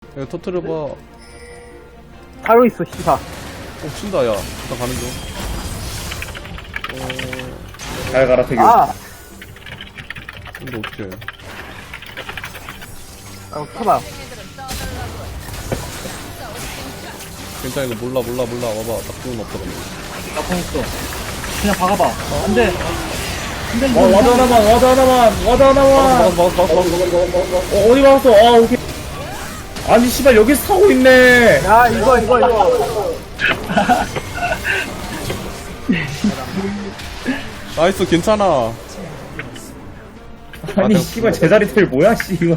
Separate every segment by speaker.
Speaker 1: 야, 터트려봐.
Speaker 2: 타고 있어, 씨발.
Speaker 1: 친다, 야. 나 가는 중.
Speaker 3: 잘 가라, 태규.
Speaker 2: 아!
Speaker 1: 근데 어떡해.
Speaker 2: 타봐.
Speaker 1: 괜찮아, 이거 몰라. 와봐. 딱 좋은 없다, 근데.
Speaker 4: 나 보냈어. 그냥 박아봐. 안 돼.
Speaker 3: 와드 하나만.
Speaker 1: 막았어.
Speaker 3: 어디 막았어? 아, 오케이. 아니, 씨발, 여기 사고 있네.
Speaker 2: 야, 이거.
Speaker 1: 나이스, 괜찮아.
Speaker 3: 아니, 씨발, 제자리 텔 뭐야, 씨, 이거.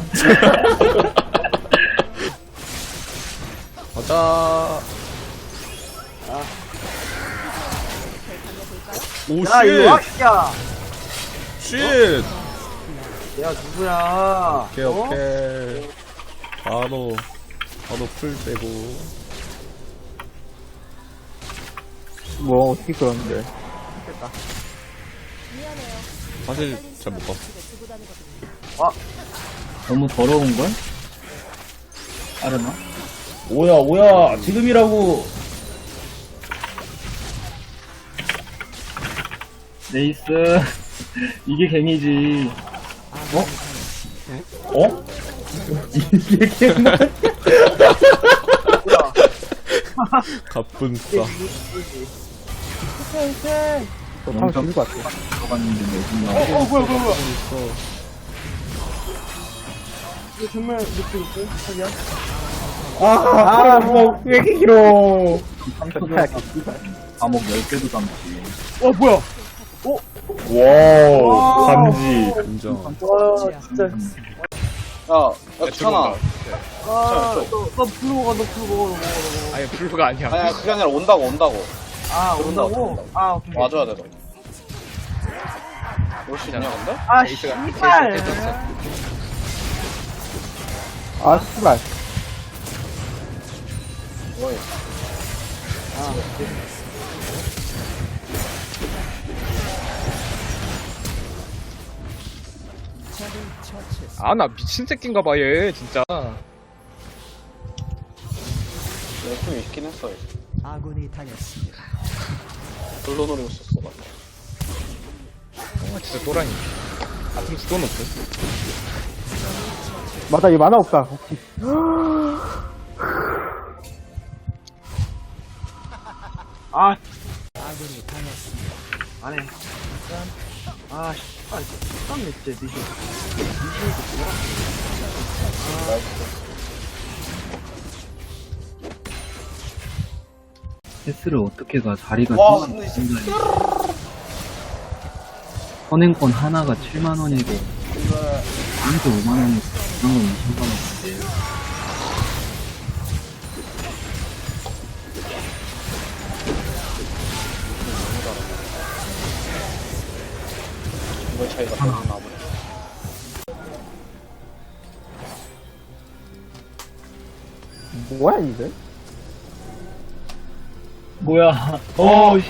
Speaker 1: 가자. 오,
Speaker 2: 야, 이거
Speaker 1: 쉣!
Speaker 2: 야.
Speaker 1: 쉣!
Speaker 2: 야, 누구야?
Speaker 1: 오케이. 바로 풀 빼고.
Speaker 2: 뭐, 어떻게 그러는데.
Speaker 1: 사실, 잘 못 봤어.
Speaker 4: 너무 더러운걸? 아르마?
Speaker 3: 뭐야, 지금이라고.
Speaker 4: 네이스. 이게 갱이지.
Speaker 3: 어? 이게 개만.
Speaker 1: 가뿐싸.
Speaker 2: 너 타고 죽을 것 같아.
Speaker 4: 들어갔는데 내신 나.
Speaker 2: 뭐야.
Speaker 1: 있어.
Speaker 2: 이거 정말 느낌 있어? 자기야?
Speaker 3: 왜 이렇게 길어.
Speaker 4: 3초 감옥 10개도 담지.
Speaker 2: 뭐야?
Speaker 3: 와우, 감지.
Speaker 1: 인정.
Speaker 2: 와, 진짜.
Speaker 5: 야, 주찬아.
Speaker 2: 너 부르고 가, 너 부르고 가.
Speaker 6: 아니 블루가 아니야.
Speaker 5: 아니, 그게 아니라 온다고.
Speaker 2: 온다고? 오케이.
Speaker 5: 와줘야 돼, 너. 올 수 있냐, 근데?
Speaker 2: 씨발! 씨발.
Speaker 5: 뭐해?
Speaker 6: 아 나 미친 새끼인가 봐 얘 진짜.
Speaker 5: 열심히 있긴 했어, 이제.
Speaker 7: 아군이 당했습니다.
Speaker 5: 불러 노리고 있었어, 나.
Speaker 6: 진짜 또라이. 아tum 수도 높고.
Speaker 2: 맞다, 얘 만화 없다. 혹시.
Speaker 7: 아군이 당했습니다.
Speaker 2: 안 해. 씨발, 깜네, 진짜, 니시.
Speaker 4: 패스를 어떻게 가? 자리가
Speaker 5: 와,
Speaker 4: 좀
Speaker 5: 근데
Speaker 4: 생각이. 선행권 하나가 7만원이고, 한개 5만원이고, 그런 건 20만원인데.
Speaker 5: 이거 차이가 너무 나보네.
Speaker 2: 뭐야, 이게?
Speaker 4: 뭐야. 씨.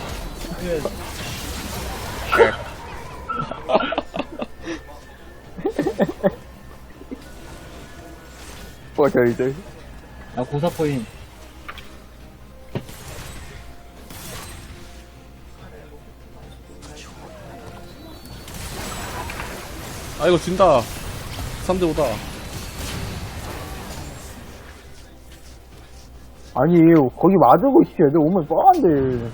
Speaker 2: 저희들.
Speaker 4: 나 고사포인.
Speaker 1: 아, 이거 진다. 3대5다.
Speaker 2: 아니, 거기 맞으고 있어. 애들 오면 뻔한데.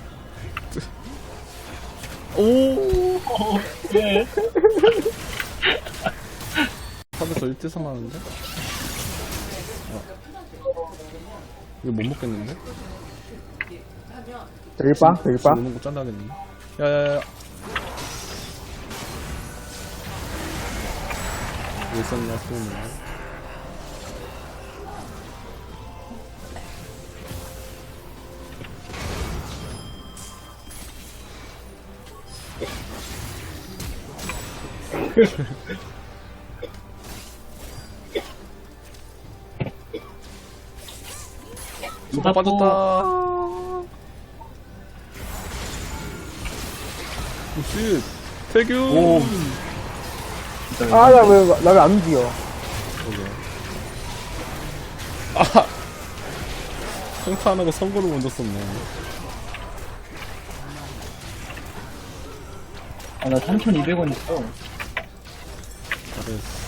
Speaker 4: 예.
Speaker 1: 3에서 1대3 하는데? 이거 못 먹겠는데?
Speaker 2: 대일빵?
Speaker 1: 오는 거 짠다겠네. 야야야. 왜 있었냐, 소문이. 다 빠졌다. 오씨, 태규.
Speaker 2: 나 왜 안 움직여?
Speaker 1: 그러게. 평타 안 하고 선거를 먼저 썼네.
Speaker 4: 아, 나 3,200원 있어.
Speaker 1: 잘했어.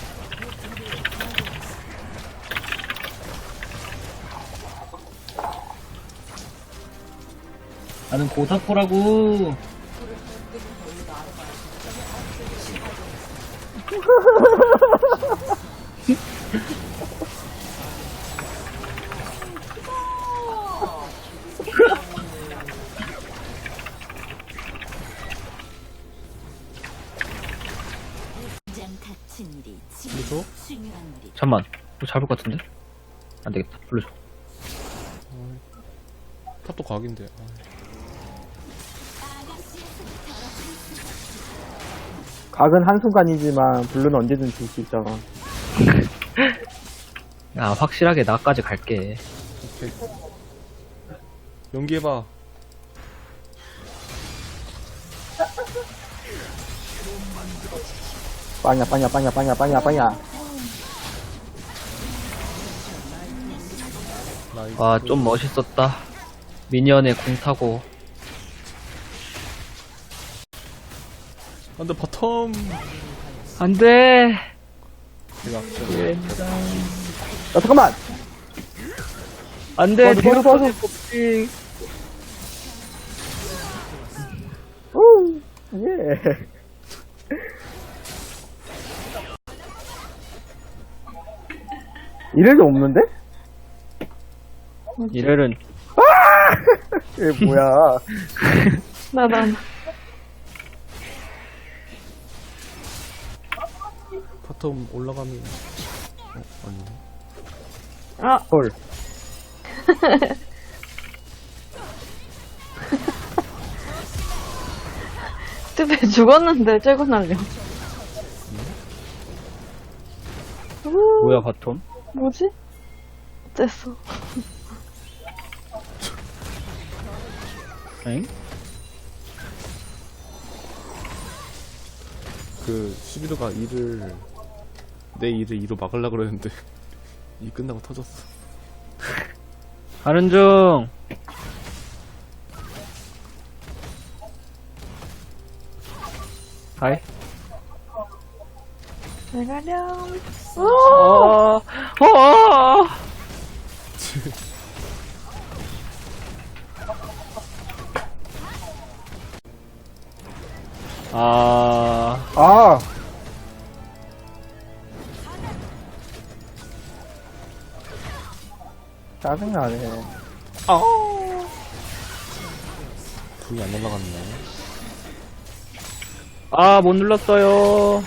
Speaker 4: 나는 고사포라고.
Speaker 1: 그래서
Speaker 8: 잠만, 이거 잡을 것 같은데? 안 되겠다. 불러줘.
Speaker 1: 탑도 각인데.
Speaker 2: 각은 한순간이지만 블루는 언제든 줄 수 있잖아.
Speaker 8: 야, 확실하게 나까지 갈게.
Speaker 1: 오케이. 연기해봐.
Speaker 2: 빵야, 빵야, 빵야, 빵야, 빵야, 빵야.
Speaker 1: 나이스.
Speaker 8: 와, 좀 멋있었다. 미니언에 궁 타고.
Speaker 1: 안돼 바텀.
Speaker 8: 안 돼!
Speaker 1: 제가
Speaker 2: 야, 잠깐만!
Speaker 8: 안 돼!
Speaker 2: 도와줘, 도와줘,
Speaker 8: 법칙.
Speaker 2: 오, 예. 이래도 없는데?
Speaker 8: 이래는
Speaker 2: 이게 뭐야.
Speaker 1: 바텀 올라가면. 아니네.
Speaker 2: 헐.
Speaker 9: 뜨배 죽었는데 째고 날려.
Speaker 8: 뭐야, 바텀?
Speaker 9: 뭐지? 어땠어?
Speaker 8: 엥?
Speaker 1: 그 11호가 내 일을 2로 막으려고 그랬는데 이 끝나고 터졌어.
Speaker 8: 가는 중! 하이.
Speaker 9: 잘 가렴.
Speaker 8: 아,
Speaker 2: 아! 짜증나네.
Speaker 1: 불이 안 올라갔네.
Speaker 8: 아, 못 눌렀어요.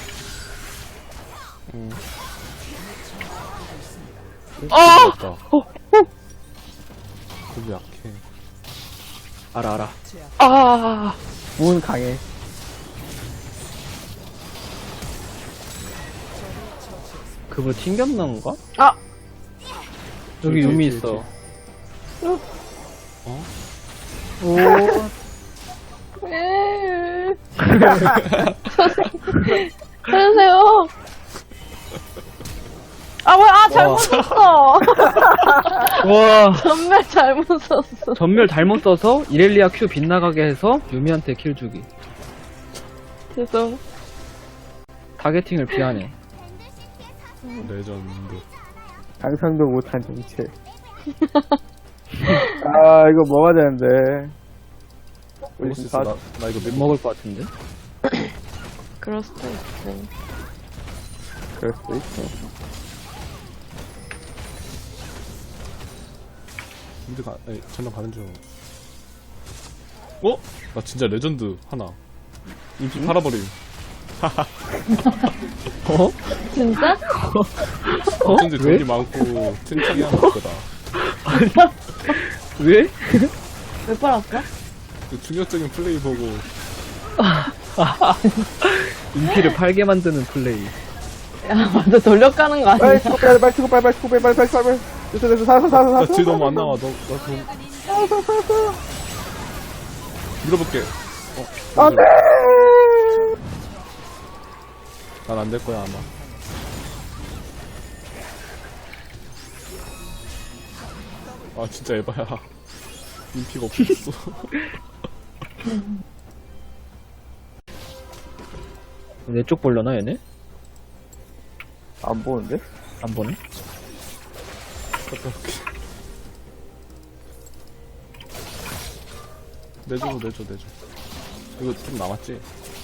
Speaker 1: 아! 불이 약해.
Speaker 8: 알아. 아,
Speaker 2: 문 강해.
Speaker 8: 그거 튕겼는가?
Speaker 9: 아!
Speaker 8: 여기 유미 있어.
Speaker 2: 오,
Speaker 9: 왜? 살려주세요. 아, 뭐야, 아, 잘못 썼어.
Speaker 8: 와,
Speaker 9: 전멸 잘못 썼어.
Speaker 8: 전멸 잘못 써서 이렐리아 Q 빗나가게 해서 유미한테 킬 주기.
Speaker 9: 죄송.
Speaker 8: 타겟팅을 피하네.
Speaker 1: 레전드.
Speaker 2: 상상도 못한 정체. 아, 이거 먹어야 되는데.
Speaker 1: 먹을 수 있어. 나 이거
Speaker 8: 못 먹을 것 같은데?
Speaker 9: 그럴 수도 있어.
Speaker 2: 그럴 수도 있어.
Speaker 1: 전화 가는 중. 어? 나 진짜 레전드 하나. 인피 팔아버림.
Speaker 8: 어?
Speaker 9: 진짜?
Speaker 1: 어쩐지 돈이 많고 튼튼이 하나 있거다.
Speaker 8: 왜?
Speaker 9: 왜 빨았어?
Speaker 1: 그 충격적인 플레이 보고
Speaker 8: 인피를 팔게 만드는 플레이.
Speaker 9: 야, 맞아. 돌려가는 거 아니야?
Speaker 2: 빨리 치고 빨리, 빨리 치고 빨리, 빨리 치고 빨리, 빨리, 빨리, 빨리. 됐어, 됐어, 살았어.
Speaker 1: 딜 너무 안 나와. 나 돈. 밀어볼게.
Speaker 2: 안 돼!
Speaker 1: 난 안 될 거야 아마. 아 진짜 에바야. 인피가 없었어.
Speaker 8: 내 쪽 볼려나 얘네?
Speaker 2: 안 보는데?
Speaker 8: 안 보네?
Speaker 1: 갔다 올게. 내줘. 이거 좀 남았지?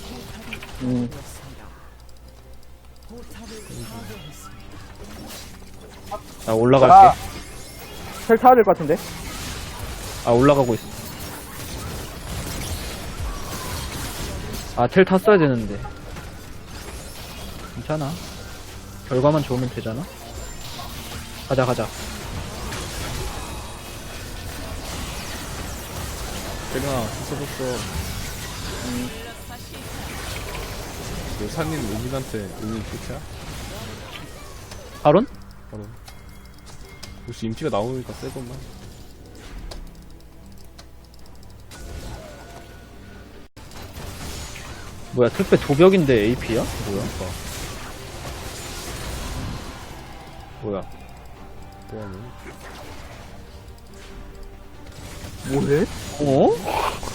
Speaker 8: 나 올라갈게.
Speaker 2: 텔 타야 될 것 같은데?
Speaker 8: 아, 올라가고 있어. 아, 텔 탔어야 되는데. 괜찮아. 결과만 좋으면 되잖아. 가자.
Speaker 1: 대령아, 써줬어. 너 산인 은인한테 은인 끝이야?
Speaker 8: 바론?
Speaker 1: 바로. 역시 인피가 나오니까 세건만.
Speaker 8: 뭐야, 특배 도벽인데 AP야? 뭐야?
Speaker 1: 뭐하는?
Speaker 2: 뭐해?
Speaker 8: 어?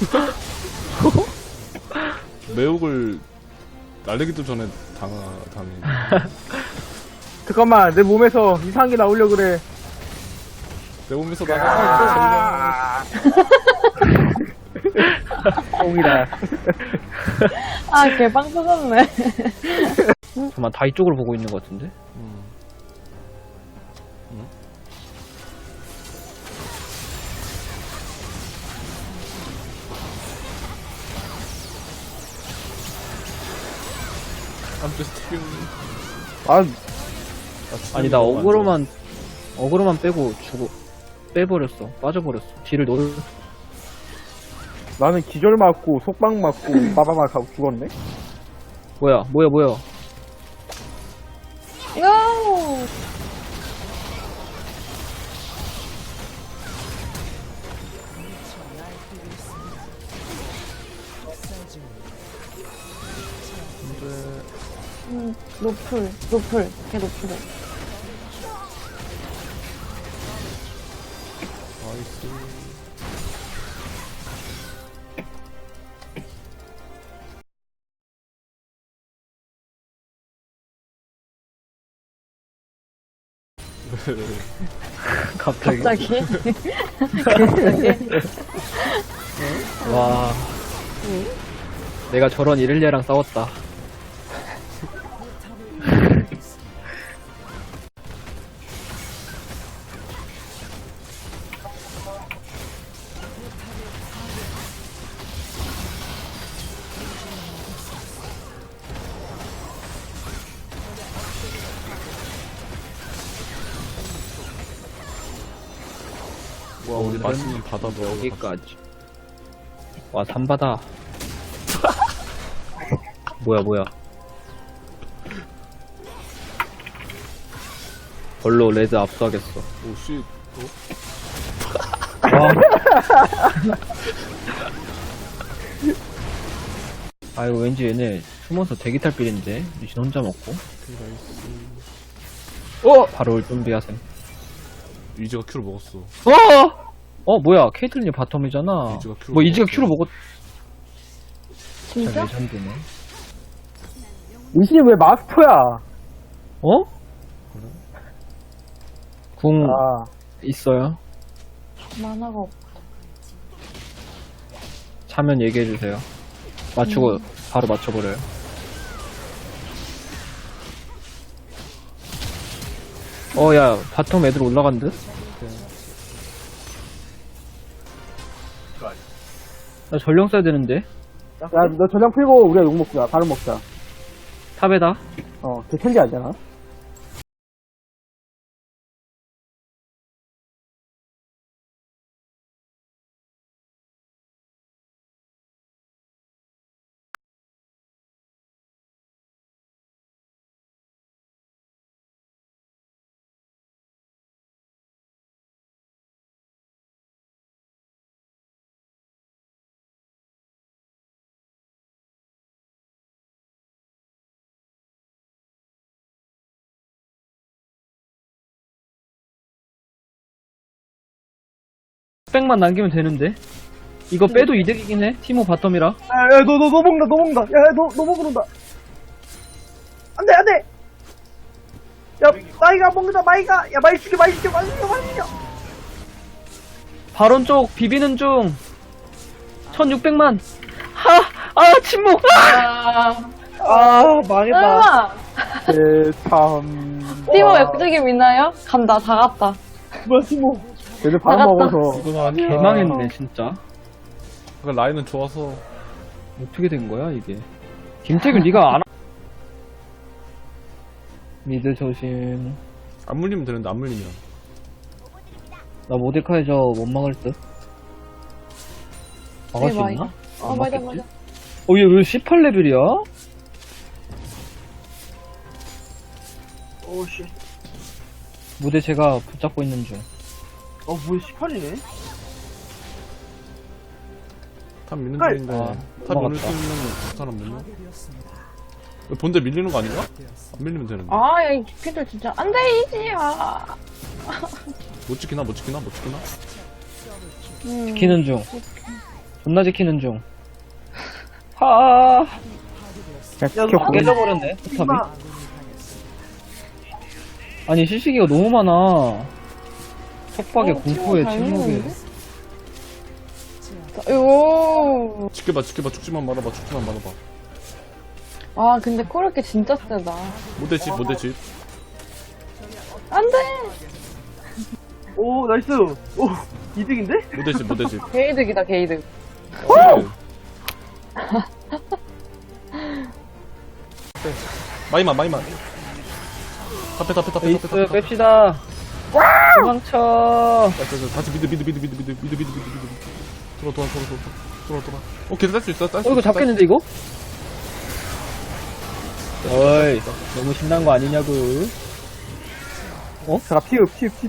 Speaker 1: 매혹을 날리기도 전에 당해.
Speaker 2: 잠깐만, 내 몸에서 이상한 게 나오려 그래.
Speaker 1: 내 몸에서 나가.
Speaker 2: 똥이다.
Speaker 9: 아, 개빵 터졌네.
Speaker 8: 잠깐만, 다 이쪽으로 보고 있는 것 같은데?
Speaker 1: I'm just kidding.
Speaker 8: 아니, 나 어그로만 빼고 빼버렸어. 빠져버렸어. 뒤를
Speaker 2: 나는 기절 맞고, 속박 맞고, 빠바박 하고 죽었네?
Speaker 8: 뭐야.
Speaker 9: 요! 노플, 걔 노플해.
Speaker 1: 나이스.
Speaker 8: 갑자기.
Speaker 9: 갑자기?
Speaker 8: 와. 내가 저런 이렐리아랑 싸웠다.
Speaker 1: 와, 우리 맛있는 바다 뭐
Speaker 8: 여기까지. 와, 산바다. 뭐야. 벌로 레드 압수하겠어.
Speaker 1: 오, 씨.
Speaker 8: 아이고, 왠지 얘네 숨어서 대기 탈 빌인데. 리신 혼자 먹고. 바로 올 준비하셈.
Speaker 1: 위즈가 큐를 먹었어.
Speaker 8: 뭐야. 케이틀린이 바텀이잖아.
Speaker 1: 이즈가 큐로
Speaker 8: 뭐, 이즈가
Speaker 1: 먹었어.
Speaker 8: 큐로 먹었.
Speaker 9: 진짜?
Speaker 8: 레전드네.
Speaker 2: 이신이 왜 마스터야?
Speaker 8: 궁
Speaker 2: 아,
Speaker 8: 있어요?
Speaker 9: 만화가 없.
Speaker 8: 차면 얘기해주세요. 맞추고 바로 맞춰버려요. 야, 바텀 애들 올라간 듯? 나 전령 써야 되는데?
Speaker 2: 야, 너 전장 풀고 우리가 욕 먹자. 바로 먹자.
Speaker 8: 탑에다?
Speaker 2: 걔 캔디 아니잖아?
Speaker 8: 600만 남기면 되는데. 이거 빼도 이득이긴 해. 티모 바텀이라.
Speaker 2: 야, 너 먹는다. 야, 너 먹는다. 안 돼. 야, 마이가 먹는다, 마이가. 야, 마이 죽여.
Speaker 8: 바론 쪽 비비는 중. 1600만. 침묵.
Speaker 2: 망했다. 참.
Speaker 9: 티모 역적임 있나요? 간다, 다 갔다.
Speaker 2: 뭐야, 티모. 얘들 밥
Speaker 9: 나갔다.
Speaker 2: 먹어서.
Speaker 8: 개망했네, 진짜.
Speaker 1: 그 라인은 좋아서.
Speaker 8: 어떻게 된 거야, 이게? 김태균, 네가 안. 미드 조심.
Speaker 1: 안 물리면 되는데, 안 물리면.
Speaker 8: 나 모데카이저 못 막을 듯. 막을 수
Speaker 9: 네,
Speaker 8: 있나? 안
Speaker 9: 맞아.
Speaker 8: 막겠지? 얘 왜 18레벨이야?
Speaker 2: 오씨.
Speaker 8: 무대 제가 붙잡고 있는 중.
Speaker 2: 뭐야, 18이네?
Speaker 1: 탑 미는
Speaker 2: 헐.
Speaker 1: 중인데. 탑
Speaker 8: 넘어갔다.
Speaker 1: 밀릴 수 있는 사람 밀려? 본대 밀리는 거 아닌가? 안 밀리면 되는데.
Speaker 9: 아, 야, 이 피들 진짜. 안 돼, 이지야.
Speaker 1: 못 지키나?
Speaker 8: 지키는 중. 존나 지키는 중. 하. 깨져버렸네, 포탑이. 아니, 실시기가 너무 많아. 속박에, 공포에, 침묵에.
Speaker 9: 요.
Speaker 1: 지켜봐. 죽지만 말아봐.
Speaker 9: 아, 근데 코르키 진짜 세다.
Speaker 1: 모대집.
Speaker 9: 안 돼!
Speaker 2: 오, 나이스. 오, 이득인데?
Speaker 1: 모대집.
Speaker 9: 게이득이다, 게이득.
Speaker 1: 마이만. tap에.
Speaker 8: 에이스, 뺍시다. 도망쳐.
Speaker 1: 다시 미드. 돌아. 오케이, 딸 수 있어.
Speaker 8: 이거 잡겠는데, 이거? 어이, 너무 신난 거 아니냐고.
Speaker 2: 자, 피읍.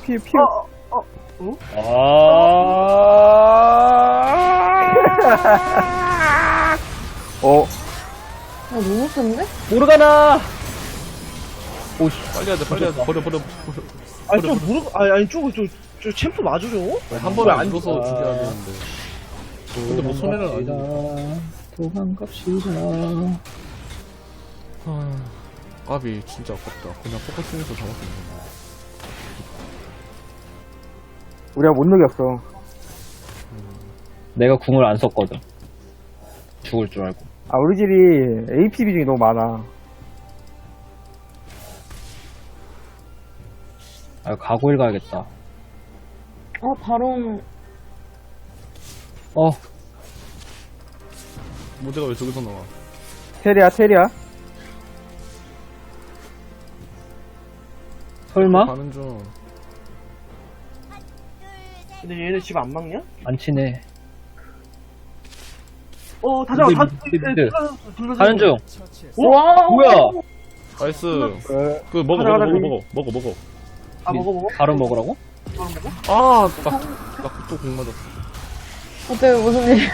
Speaker 9: 너무 센데?
Speaker 8: 모르가나! 오씨.
Speaker 1: 빨리 해야 돼. 버려.
Speaker 2: 저 챔프 맞으죠?
Speaker 1: 한 번에 안 줘서 죽여야 되는데. 근데 뭐 손해는 아니야.
Speaker 8: 도망갑시다.
Speaker 1: 까비 진짜 아깝다. 그냥 포커싱해서 잡았었는데.
Speaker 2: 우리가 못 녹였어.
Speaker 8: 내가 궁을 안 썼거든. 죽을 줄 알고.
Speaker 2: 우리 집이 AP 비중이 너무 많아.
Speaker 8: 가고일 가야겠다.
Speaker 9: 바론.
Speaker 1: 모대가 왜 저기서 나와?
Speaker 2: 테리야.
Speaker 8: 설마?
Speaker 1: 가는 중.
Speaker 2: 근데 얘네 집 안 막냐?
Speaker 8: 안 치네.
Speaker 2: 다
Speaker 8: 미드. 가는 중.
Speaker 9: 와!
Speaker 8: 뭐야?
Speaker 1: 나이스. 그 먹어.
Speaker 2: 하나.
Speaker 1: 먹어.
Speaker 2: 먹어.
Speaker 8: 바로 먹으라고?
Speaker 1: 나또 공 맞았어.
Speaker 9: 어때, 무슨 일이야.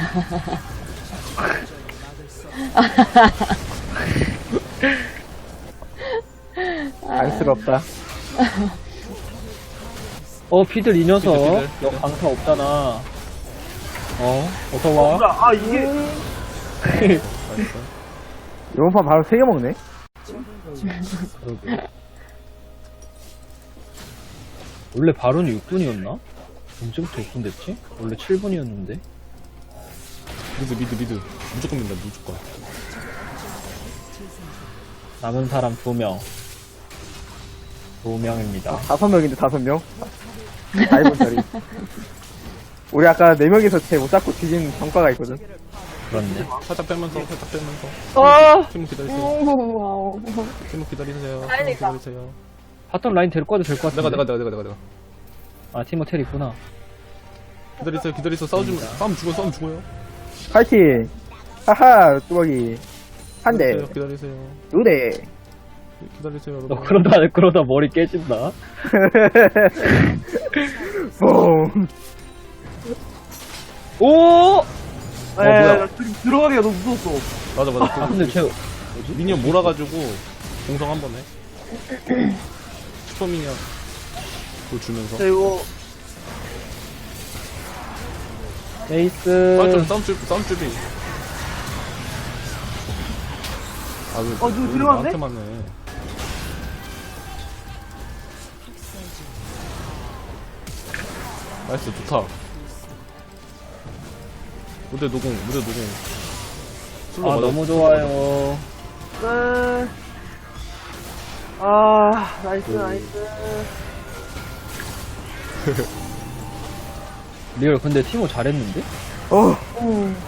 Speaker 2: 안쓰럽다.
Speaker 8: 피들 이 녀석.
Speaker 1: 피들.
Speaker 8: 너 강타 없잖아. 어서와.
Speaker 1: 나이스.
Speaker 2: 이번 판 바로 3개 먹네?
Speaker 8: 원래 바론이 6분이었나? 언제부터 6분 됐지? 원래 7분이었는데.
Speaker 1: 미드. 무조건 민다, 무조건.
Speaker 8: 남은 사람 2명. 2명입니다.
Speaker 2: 5명인데 5명? 4분짜리. 우리 아까 4명이서 쟤 못 잡고 뒤진 정가가 있거든.
Speaker 8: 그렇네.
Speaker 1: 살짝 빼면서. 팀 기다리세요.
Speaker 9: 와우.
Speaker 1: 팀 기다리세요.
Speaker 9: 빨리가.
Speaker 8: 바텀 라인 될 거도 될 것 같은데.
Speaker 1: 내가.
Speaker 8: 티모 텔 있구나.
Speaker 1: 기다리세요. 싸움 죽어요.
Speaker 2: 파이팅! 하하, 뚜벅이. 한 대,
Speaker 1: 기다리세요.
Speaker 2: 2대.
Speaker 1: 기다리세요,
Speaker 8: 너
Speaker 1: 여러분.
Speaker 8: 그러다 머리 깨진다.
Speaker 2: 뽕.
Speaker 8: 오!
Speaker 1: 뭐야.
Speaker 2: 들어가기가 너무 무서웠어.
Speaker 1: 맞아.
Speaker 8: 근데 쟤,
Speaker 1: 미니언 몰아가지고 공성 한 번 해. 슈퍼 미니언 그거 주면서.
Speaker 2: 이거.
Speaker 8: 에이스.
Speaker 1: 쌈줄이. 아, 왜,
Speaker 2: 누구 들어갔네?
Speaker 1: 나한테만 해. 나이스, 좋다. 무대 노공. 술로
Speaker 8: 아,
Speaker 1: 맞아.
Speaker 8: 너무 좋아요.
Speaker 2: 네. 아, 나이스, 나이스.
Speaker 8: 리얼, 근데 티모 잘했는데?
Speaker 2: 어.
Speaker 9: 응.